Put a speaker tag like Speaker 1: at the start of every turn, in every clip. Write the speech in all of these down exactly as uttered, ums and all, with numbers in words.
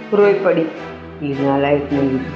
Speaker 1: રોઈ પડી હીરના લાઈફ ને લીધું.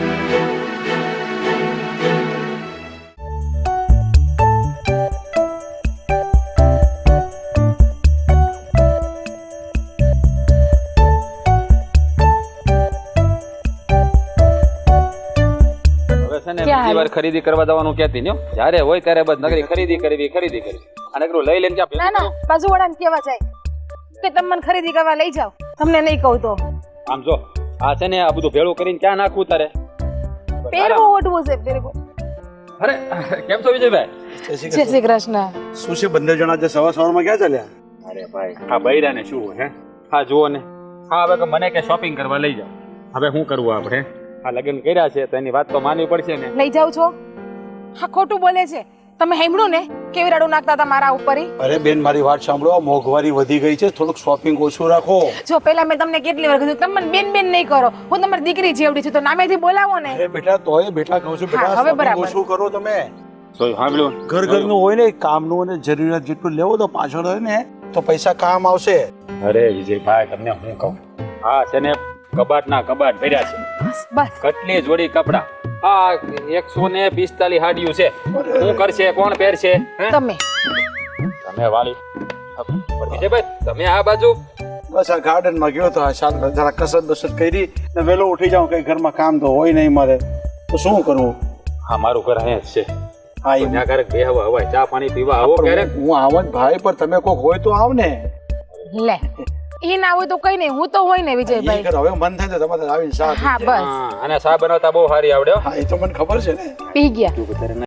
Speaker 2: બીજી વાર ખરીદી કરવા જવાનું કહેતી ને જ્યારે હોય ત્યારે બસ નગરી ખરીદી કરવી ખરીદી કરવી અને નગરું લઈ લઈને
Speaker 3: ના ના બાજુવાળાને કેવા જાય કે તમે મને ખરીદી કરવા લઈ જાઓ, તમને નહીં કહું તો.
Speaker 2: આમ જો આ છે ને આ બધું ભેળું કરીને ક્યાં નાખવું તારે?
Speaker 3: પહેરવો ઓઢવું છે પહેરવો.
Speaker 2: અરે કેમ છો વિજયભાઈ?
Speaker 3: જય શ્રી કૃષ્ણ.
Speaker 4: શું છે બંને જણા જે સવાર સવારમાં ક્યાં ચાલ્યા?
Speaker 2: અરે ભાઈ આ બૈરાને શું હોય હે? હા જુઓ ને, હા હવે કે મને કે શોપિંગ કરવા લઈ જાઓ. હવે શું કરવું આપણે? આ લગ્ન કર્યા છે તો એની વાત તો માનવી પડશે ને.
Speaker 3: લઈ જાવ છો? હા ખોટું બોલે છે. તમે સાંભળ્યું ને કેવી રાડું નાખતા હતા મારા ઉપર?
Speaker 4: અરે બેન મારી વાત સાંભળો, મોંઘવારી વધી ગઈ છે, થોડુંક શોપિંગ ઓછું રાખો.
Speaker 3: જો પેલા મેં તમને કેટલી વાર કીધું તમે મને બેન બેન નહીં કરો, હું તમારી દીકરી જેવડી છું તો નામેથી બોલાવો ને.
Speaker 4: અરે બેટા તોય બેટા કહું છું બેટા,
Speaker 3: હવે
Speaker 4: shopping
Speaker 3: બરાબર.
Speaker 4: ઓછું કરો તમે.
Speaker 2: તો સાંભળ્યું
Speaker 4: ઘર ઘરનું હોય ને, કામનું અને જરૂરિયાત જેટલું લેવો તો પાછળ હોય ને તો પૈસા કામ આવશે.
Speaker 2: અરે વિજયભાઈ તમને હું કહું, હા છે ને કબાટ ના કબાટ ભર્યા છે.
Speaker 3: બસ
Speaker 2: કેટલી જોડી કપડા, આ એકસો ને પિસ્તાલીસ હાડીયું છે. શું કરશે, કોણ પહેરશે? હે?
Speaker 3: તમે
Speaker 2: તમે વાલી વિજયભાઈ તમે આ બાજુ
Speaker 4: બસ આ ગાર્ડન માં ગયો તો આ શાંત જરા કસરત બસરત કરી ને વહેલો ઉઠી જાઉં, કઈ ઘરમાં કામ તો હોય નહીં મારે, તો શું કરવું?
Speaker 2: હા મારું ઘર અહીંયા જ છે.
Speaker 4: હા એ
Speaker 2: ત્યાં ક્યારેક બે હવા હવાય ચા પાણી પીવા આવો ક્યારેક.
Speaker 4: હું આવો જ ભાઈ, પણ તમે કોઈક હોય તો આવ ને.
Speaker 3: લે એ ના હોય તો કઈ નહીં, હું તો હોય ને વિજયભાઈ.
Speaker 4: ઈ કર, હવે મન થાય તો તમારે આવીને સાથ
Speaker 3: હા બસ
Speaker 2: હા અને ચા બનાવતા બહુ સારી આવડે હો.
Speaker 4: હા એ તો મને ખબર છે ને.
Speaker 3: પી ગયા.